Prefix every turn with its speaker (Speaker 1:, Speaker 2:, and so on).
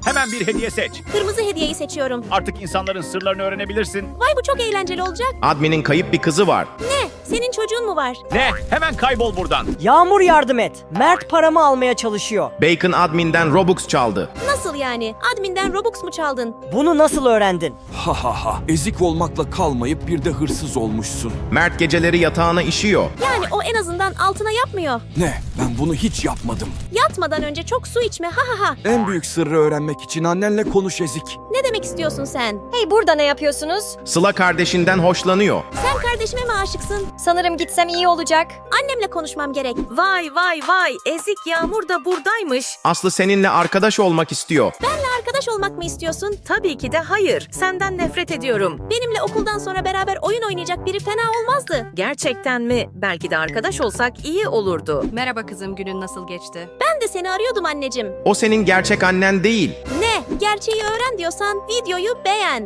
Speaker 1: Hemen bir hediye seç.
Speaker 2: Kırmızı hediyeyi seçiyorum.
Speaker 1: Artık insanların sırlarını öğrenebilirsin.
Speaker 2: Vay bu çok eğlenceli olacak.
Speaker 3: Admin'in kayıp bir kızı var.
Speaker 2: Ne? Senin çocuğun mu var?
Speaker 1: Ne? Hemen kaybol buradan.
Speaker 4: Yağmur yardım et. Mert paramı almaya çalışıyor.
Speaker 3: Bacon admin'den Robux çaldı.
Speaker 2: Nasıl yani? Admin'den Robux mu çaldın?
Speaker 4: Bunu nasıl öğrendin?
Speaker 5: Ha ha ha. Ezik olmakla kalmayıp bir de hırsız olmuşsun.
Speaker 3: Mert geceleri yatağına işiyor.
Speaker 2: Yani o en azından altına yapmıyor.
Speaker 5: Ne? Ben bunu hiç yapmadım.
Speaker 2: Yatmadan önce çok su içme ha ha ha.
Speaker 5: En büyük sırrı öğrenmek için annenle konuş Ezik.
Speaker 2: Ne demek istiyorsun sen?
Speaker 6: Hey burada ne yapıyorsunuz?
Speaker 3: Sıla kardeşinden hoşlanıyor.
Speaker 2: Sen kardeşime mi aşıksın?
Speaker 6: Sanırım gitsem iyi olacak.
Speaker 2: Annemle konuşmam gerek.
Speaker 7: Vay vay vay, ezik Yağmur da buradaymış.
Speaker 3: Aslı seninle arkadaş olmak istiyor.
Speaker 2: Benle arkadaş olmak mı istiyorsun?
Speaker 7: Tabii ki de hayır, senden nefret ediyorum.
Speaker 2: Benimle okuldan sonra beraber oyun oynayacak biri fena olmazdı.
Speaker 7: Gerçekten mi? Belki de arkadaş olsak iyi olurdu.
Speaker 8: Merhaba kızım, günün nasıl geçti?
Speaker 2: Ben de seni arıyordum anneciğim.
Speaker 3: O senin gerçek annen değil.
Speaker 2: Ne? Gerçeği öğren diyorsan videoyu beğen.